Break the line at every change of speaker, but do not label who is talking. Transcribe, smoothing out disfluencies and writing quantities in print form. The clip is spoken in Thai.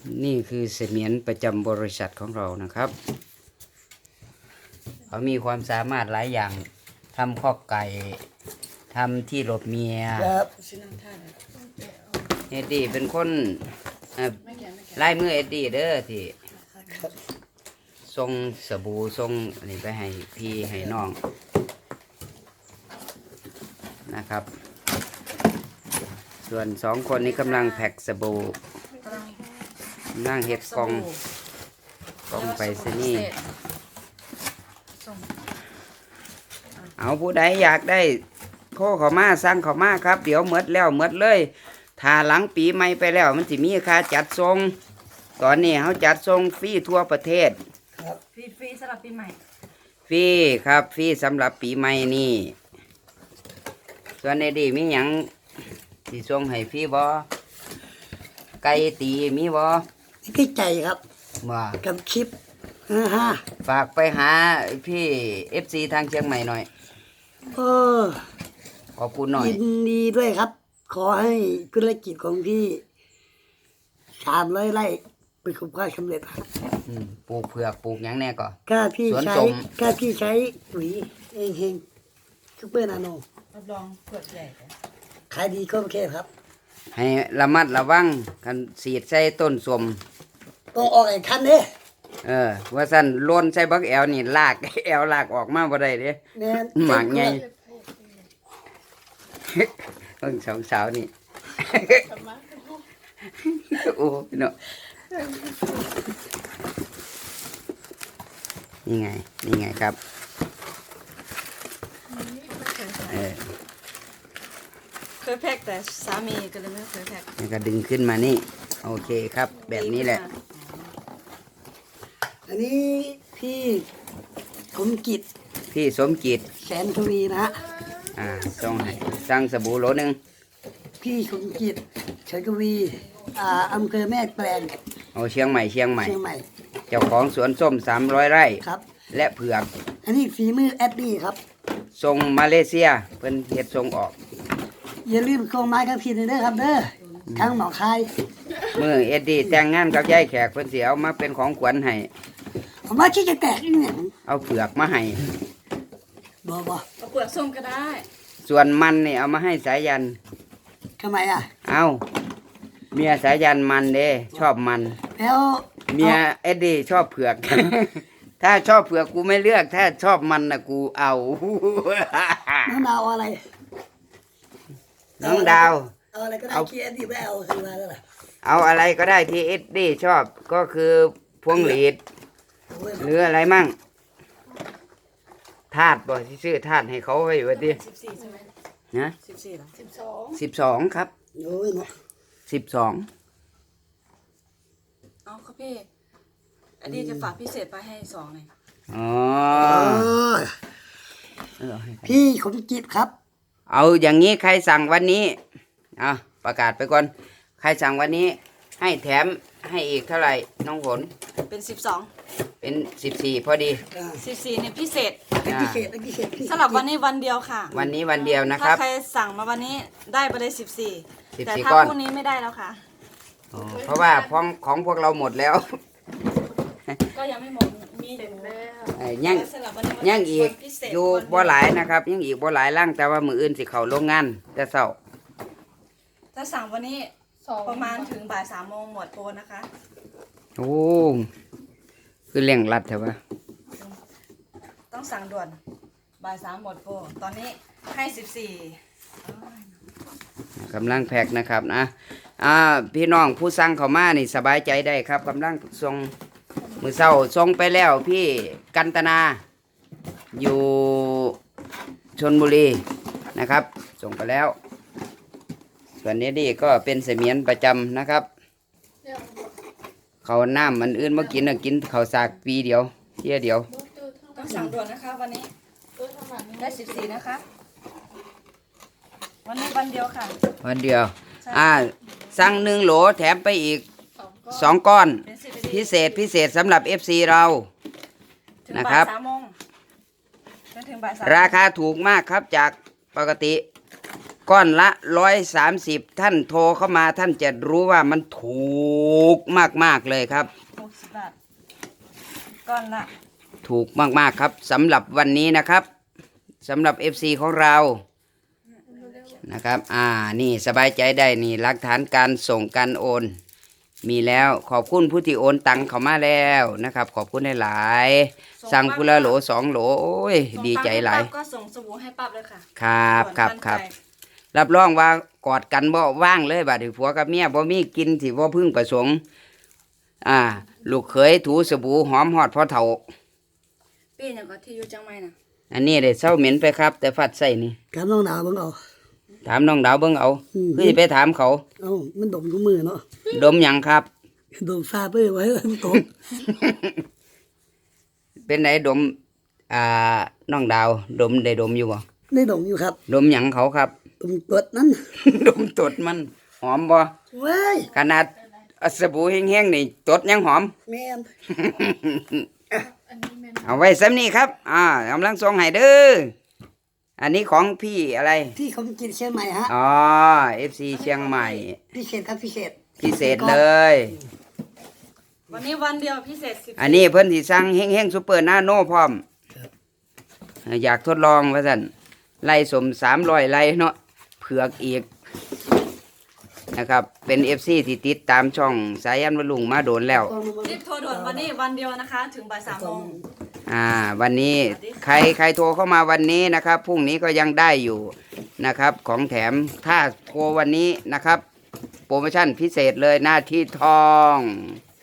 นี่คือเสมียนประจำบริษัทของเรานะครับเขามีความสามารถหลายอย่างทำข้อไก่ทำที่หลบเมียเอ็ดดี้เป็นคนลายมือเอ็ดดี้เด้อที่ส่งสบู่ส่งอันนี้ไปให้พี่ให้น้องนะครับส่วนสองคนนี้กำลังแพ็กสบู่นั่งเห็ดกล่องไปซะนี่เอาผู้ใดอยากได้โคเขามาสั่งเขามาครับเดี๋ยวหมดแล้วหมดเลยถ้าหลังปีใหม่ไปแล้วมันจะมีค่าจัดส่งตอนนี้เขาจัดส่งฟรีทั่วประเทศ
ครับฟรีสำหรับปีใหม่
ฟรีครับฟรีสำหรับปีใหม่นี่ส่วนในดีมีหยังที่ส่งให้ฟรีบ่ไก่ตีมีบ่
ที่ใจครับ
ว่า
กับคลิป
ฝากไปหาพี่FC ทางเชียงใหม่หน่อยขอบคุณหน่อย
ยินดีด้วยครับขอให้ธุรกิจของพี่300 ไร่ประสบความสำเร็จครับ
ปลูกเผือกปลูกหยังแน่ก่อน
ถ้าพี่ใช้ปุ๋ยเฮงซุปเปอร์นาโน
รับรองเผือกใหญ่
ขายดีก็โอเคครับ
ให้ระมัดระวังกันสีดใส่ต้นสม
ต้องออกไอ้คันเด้
ว่าสั่นล้นใส่บักแอลนี่ลากแอลลากออกมาบ่ได้เด้หมากใหญ่เพิ่งสาวนี่โอ้พี่น้องนี่ไงครับ
เคยแพ็กแต่สามีก็เลยไม่เคยแพ็ก
นี่ก็ดึงขึ้นมานี่โอเคครับแบบนี้แหละ
อันนี้พี่สมจิตแสนทวีนะ
ส่งให้สั่งสบู่โหลนึง
พี่สมจิตแสนทวีอำเภอแม่แปลง
เชียงใหม่เจ้าของสวนส้ม300 ไร่
ครับ
และเผือก
อันนี้ฝีมือแอดดี้ครับ
ส่งมาเลเซียเพิ่นเฮ็ดส่งออก
อย่าลืมส่งไม้กับพี่เด้อครับเด้อทั้งหนองคาย
มือเอ็ดดี้แต่งงานกับยายแขกเพิ่นสิเอามาเป็นของขวัญให้
ผมว่าที่จะแตกอีกเนี่ย
เอาเผือกมาให้
บ่
เอาเปลือกส้มก็ได้
ส่วนมันนี่เอามาให้สายัน
ทำไม
เอาเมียสายันมันเด้ชอบมัน
แล้ว
เมียเอ็ดดี้ชอบเผือกถ้าชอบเผือกกูไม่เลือกถ้าชอบมันนะกูเอา
น้องดาวอะไร
น้องดาว
เอาอะไรก็ได้ที่เอ็ดดี้ไม่เอาคือมาแล้วล่ะ
เอาอะไรก็ได้ที่เอ็ดดี้ชอบก็คือพวงหลีดหรืออะไรมั่งธาตุบ่ที่ซื้อธาตุให้เขาไว้ว่าดิ
14ใช่ไหม
นะ
14หร
12
อ
ครับ
โอ้ยเนาะ
12
เอาครับพี่อันนี้จะฝากพิเศษไปให้2เลย
พี่สมจิตครับ
เอาอย่างนี้ใครสั่งวันนี้ประกาศไปก่อนใครสั่งวันนี้ให้แถมให้อีกเท่าไหร่น้องฝน
เป็น12
เป็น14พอดี
14เนี่ยพิเศษ
ส
ำหรับวันนี้วันเดียวค่ะ
วันนี้วันเดียวนะครับ
ถ้าใครสั่งมาวันนี้ได้ไปเลย14แต่ถ้าพรุ่งนี้ไม่ได้แล้วค่ะ
เพราะว่าของพวกเราหมดแล้ว
ก็ยังไม่หมดมี
ยังอีกอยู่บ่หลายนะครับยังอีกบ่หลายร่างแต่ว่ามืออื่นสิเข้าโรงงานแต่เช้า
ถ้าสั่งวันนี้ประมาณถึงบ่าย3 โมงหมดโปรนะคะ
โอ้คือเร่งรัดใช่ปะ
ต้องสั่งด่วนบ่าย3หมดโปรตอนนี้ให้14
กำลังแพ็กนะครับนะพี่น้องผู้สั่งเข้ามานี่สบายใจได้ครับกำลังส่งมือเช้าส่งไปแล้วพี่กันตนาอยู่ชลบุรีนะครับส่งไปแล้วส่วนนี้ดีก็เป็นเสมียนประจำนะครับเขาน้ำมันอื่นมากินกินเขาสากปีเดียวเที่ยเดียว
ต้องสั่งด่วนนะคะวันนี้ได้14นะคะวันนี้วันเดียวค่ะ
วันเดียวสั่ง1 โหลแถมไปอีก2 ก้อนพิเศษสำหรับ FC เรานะครับราคาถูกมากครับจากปกติก้อนละ130ท่านโทรเข้ามาท่านจะรู้ว่ามันถูกมากๆเลยครับ
60 บาทก้อนละ
ถูกมากๆครับสำหรับวันนี้นะครับสำหรับ FC ของเรานะครับนี่สบายใจได้นี่หลักฐานการส่งการโอน มีแล้วขอบคุณผู้ที่โอนตังเข้ามาแล้วนะครับ ขอบคุณหลายๆสั่งพุละโหล2โหลโอ้ย
ส่ง
ดีใจหลาย
ปั๊บก็ส่งสบู่ให้ปั๊บเลยค่ะ
ครับครับ
ด่วน
ครับ
ทันใจ
รับรองว่ากอดกันบ่ว่างเลยบัดนี้ผัวกับเมียบ่มีกินสิบ่พึ่งประสงค์ลูกเขยถูสบู่หอมฮอดพ่อเฒ่า
ปีอย่างก็ที่อยู่จังไม่น่ะ
อันนี้ได้เศร้าเหม็นไปครับ แต่ฟัดใส่นี่
กับน้องดาวเบิ่งเอา
ถามน้องดาวเบิ่งเอาคือสิไปถามเขา
เอ้ามันดมทุกมือเนาะ
ดมหยังครับ
ดมซาไปไว้มันตก
เป็นไหนดมน้องดาวดมได้ดมอยู่บ่
ได้ดมอยู่ครับ
ดมหยังเขาครับ
ดมกดนั้น
ดมตดมันหอมบ่
เว้ย
ขนาดสบู่แห้งๆนี่ตดยังหอม
แม่น
เอาไว้ซ้ำนี้ครับกำลังส่งให้เด้ออันนี้ของพี่อะไร
ที่เขากินเชียงใหม่ฮะ
อ๋อ FC เชียงใหม่
พิเศษครับพิเศษ
พิเศษเลย
วันนี้วันเดียวพิเศษ10
อันนี้เพิ่นสิสั่งแห้งๆซุปเปอร์นาโนพร้อม อยากทดลองว่าซั่นไล่สม300ไล่เนาะเผือกอีกนะครับ เป็น FC ที่ติดตามช่องสายันวลุงมาโดนแล้ว
รีบโทรด่วนวันนี้วันเดียวนะคะ ถึงบ่าย3 โมง
วันนี้ใครโทรเข้ามาวันนี้นะครับพรุ่งนี้ก็ยังได้อยู่นะครับ ของแถมถ้าโทรวันนี้นะครับ โปรโมชั่นพิเศษเลยหน้าที่ทอง